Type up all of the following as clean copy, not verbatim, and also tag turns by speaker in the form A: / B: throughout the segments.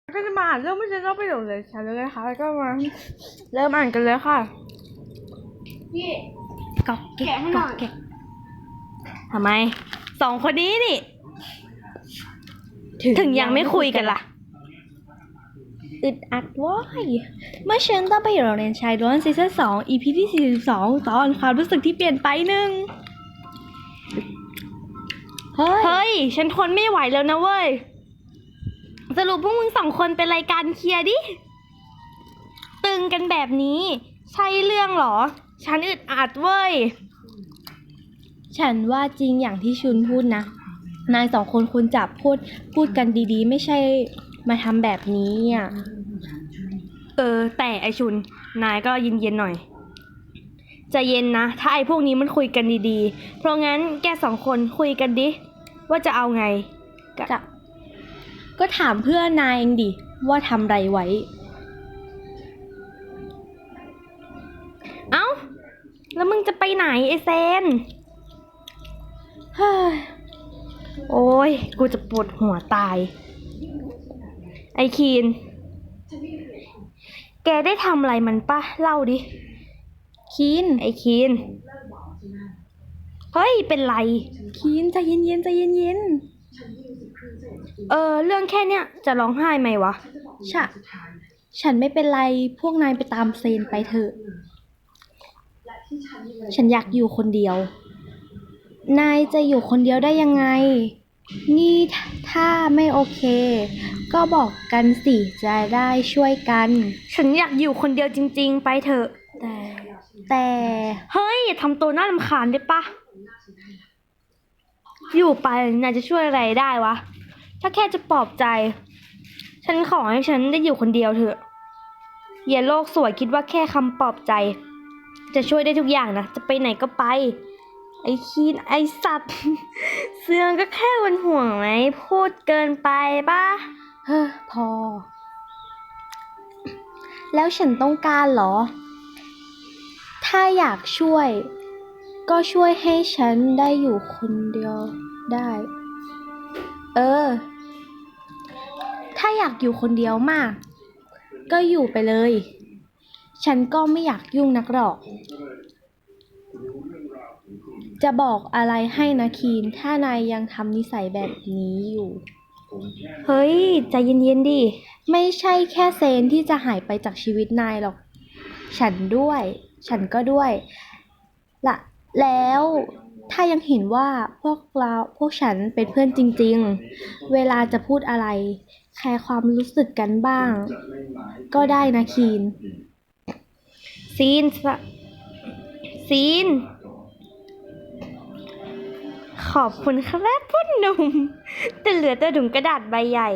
A: ก็จะมาอ่านเรื่องไม่ใช่ต้องประโยชน์เลยค่ะเลยนะคะแล้วก็มาเริ่มอ่านกันเลยค่ะ
B: พี่
A: ก๊อกแกะ
B: แกะให้หน่อย
A: แกะทำไมสองคนนี้นี่ถึงยังไม่คุยกันล่ะอึดอัดว้ายเมื่อฉันต้องไปอยู่โรงเรียนชายล้วนซีซั่น2 EP ที่42ตอนความรู้สึกที่เปลี่ยนไปหนึ่งเฮ้ยฉันทนไม่ไหวแล้วนะเว้ยสรุปพวกมึงสองคนเป็นรายการเคลียร์ดิตึงกันแบบนี้ใช่เรื่องเหรอฉันอึดอัดเว้ยฉันว่าจริงอย่างที่ชุนพูดนะนายสองคนควรจับพูดกันดีๆไม่ใช่มาทำแบบนี้อ่ะแต่ไอชุนนายก็เย็นๆหน่อยใจเย็นนะถ้าไอพวกนี้มันคุยกันดีๆเพราะงั้นแกสองคนคุยกันดิว่าจะเอาไงก็ถามเพื่อนนายเองดิว่าทำไรไว้เอ้าแล้วมึงจะไปไหนไอเซนเฮ้ยโอ้ยกูจะปวดหัวตายไอคีนแกได้ทำอะไรมันปะเล่าดิคีนไอคีนเฮ้ยเป็นไรคีนใจเย็นๆใจเย็นๆเรื่องแค่เนี้ยจะร้องไห้ไหมวะฉันไม่เป็นไรพวกนายไปตามเซนไปเถอะฉันอยากอยู่คนเดียวนายจะอยู่คนเดียวได้ยังไงนี่ถ้าไม่โอเคก็บอกกันสิจะได้ช่วยกันฉันอยากอยู่คนเดียวจริงๆไปเถอะแต่เฮ้ยอย่าทำตัวน่ารำคาญได้ปะอยู่ไปนายจะช่วยอะไรได้วะถ้าแค่จะปลอบใจฉันขอให้ฉันได้อยู่คนเดียวเถอะอย่าโลกสวยคิดว่าแค่คำปลอบใจจะช่วยได้ทุกอย่างนะจะไปไหนก็ไปไอ้คีนไอ้สัตว์ เสื่องก็แค่เป็นห่วงไหมพูดเกินไปป่ะพอแล้วฉันต้องการเหรอถ้าอยากช่วยก็ช่วยให้ฉันได้อยู่คนเดียวได้ถ้าอยากอยู่คนเดียวมากก็อยู่ไปเลยฉันก็ไม่อยากยุ่งนักหรอกจะบอกอะไรให้นะคีนถ้านายยังทำนิสัยแบบนี้อยู่เฮ้ยใจเย็นๆดิไม่ใช่แค่เซนที่จะหายไปจากชีวิตนายหรอกฉันก็ด้วยละแล้วถ้ายังเห็นว่าพวกฉันเป็นเพื่อนจริงๆเวลาจะพูดอะไรแคร์ความรู้สึกกันบ้างก็ได้นะคีนซีนขอบคุณครับพ่อหนุ่มแต่เหลือแต่ถุงกระดาษใบใหญ่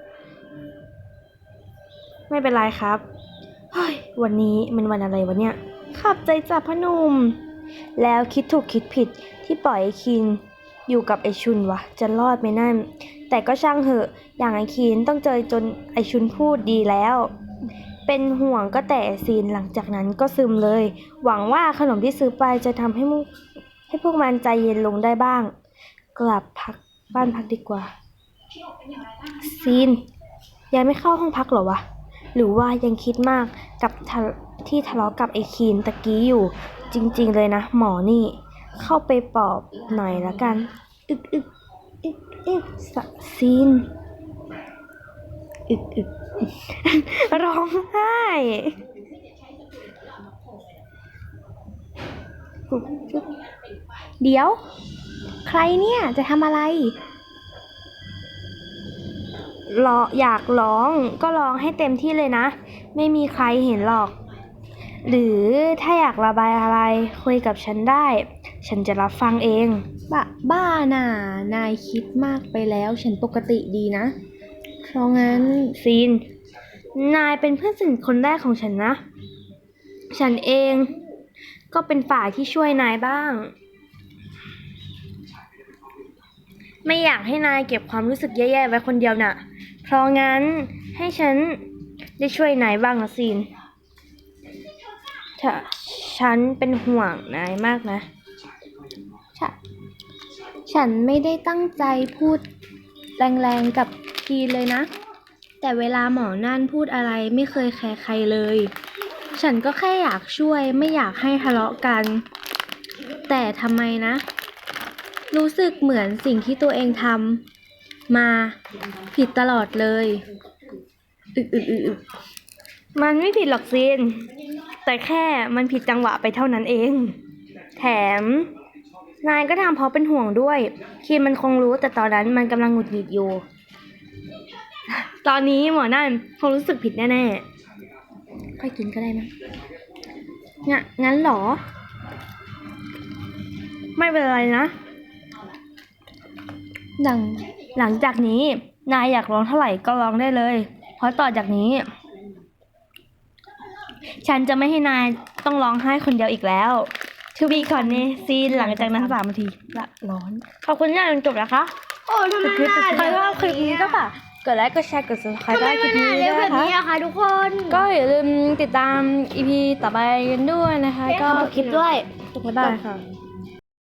A: ไม่เป็นไรครับเฮ้ยวันนี้มันวันอะไรวะเนี่ยขอบใจจ้ะพ่อหนุ่มแล้วคิดถูกคิดผิดที่ปล่อยไอ้คินอยู่กับไอชุนวะจะรอดไหมนั่นแต่ก็ช่างเหอะอย่างไอคินต้องเจอจนไอชุนพูดดีแล้วเป็นห่วงก็แต่ซีนหลังจากนั้นก็ซึมเลยหวังว่าขนมที่ซื้อไปจะทำให้พวกมันใจเย็นลงได้บ้างกลับบ้านพักดีกว่าซีนยังไม่เข้าห้องพักเหรอวะหรือว่ายังคิดมากกับที่ทะเลาะกับไอ้คีนตะกี้อยู่จริงๆเลยนะหมอนี่เข้าไปปลอบหน่อยละกันซีนร้องไห้เดี๋ยวใครเนี่ยจะทำอะไรอยากร้องก็ร้องให้เต็มที่เลยนะไม่มีใครเห็นหรอกหรือถ้าอยากระบายอะไรคุยกับฉันได้ฉันจะรับฟังเองบ้าน่ะนายคิดมากไปแล้วฉันปกติดีนะเพราะงั้นซีนนายเป็นเพื่อนสนิทคนแรกของฉันนะฉันเองก็เป็นฝ่ายที่ช่วยนายบ้างไม่อยากให้นายเก็บความรู้สึกแย่ๆไว้คนเดียวน่ะเพราะงั้นให้ฉันได้ช่วยนายบ้างนะซีนฉันเป็นห่วงนายมากนะฉันไม่ได้ตั้งใจพูดแรงๆกับคีนเลยนะแต่เวลาหมอนั่นพูดอะไรไม่เคยแคร์ใครเลย ฉันก็แค่อยากช่วยไม่อยากให้ทะเลาะกัน แต่ทำไมนะ รู้สึกเหมือนสิ่งที่ตัวเองทำมาผิดตลอดเลยอึกมันไม่ผิดหรอกซิน แต่แค่มันผิดจังหวะไปเท่านั้นเอง แถม นายก็ทำเพราะเป็นห่วงด้วยคีนมันคงรู้แต่ตอนนั้นมันกำลังหงุดหงิดอยู่ ตอนนี้หมอนั่นคงรู้สึกผิดแน่ๆค่อยกินก็ได้มั้งงั้นเหรอ ไม่เป็นไรนะ หลังจากนี้ นายอยากร้องเท่าไหร่ก็ร้องได้เลย เพราะต่อจากนี้ ฉันจะไม่ให้นายต้องร้องไห้คนเดียวอีกแล้วทูบีก่อนเนซีนหลังจากนั้น3 นาทีละร้อน ขอบคุณที่อ่านจบนะคะ
B: โอ้ทำไม
A: คลิป
B: นาน
A: ใครชอบคลิปนี้ก็ฝากกดไลค์กดแชร์กด subscribe
B: ทำไม
A: ได้คลิ
B: มัน
A: ป
B: นา
A: นี้
B: น
A: ด้
B: เร็ว
A: วย
B: แบบ
A: นะคะ
B: นี้อะคะทุกคน
A: ก็อย่าลืมติดตาม EP ต่อไปกันด้วยนะคะ ก็
B: คลิปด้วย
A: บ๊ายบายค่ะ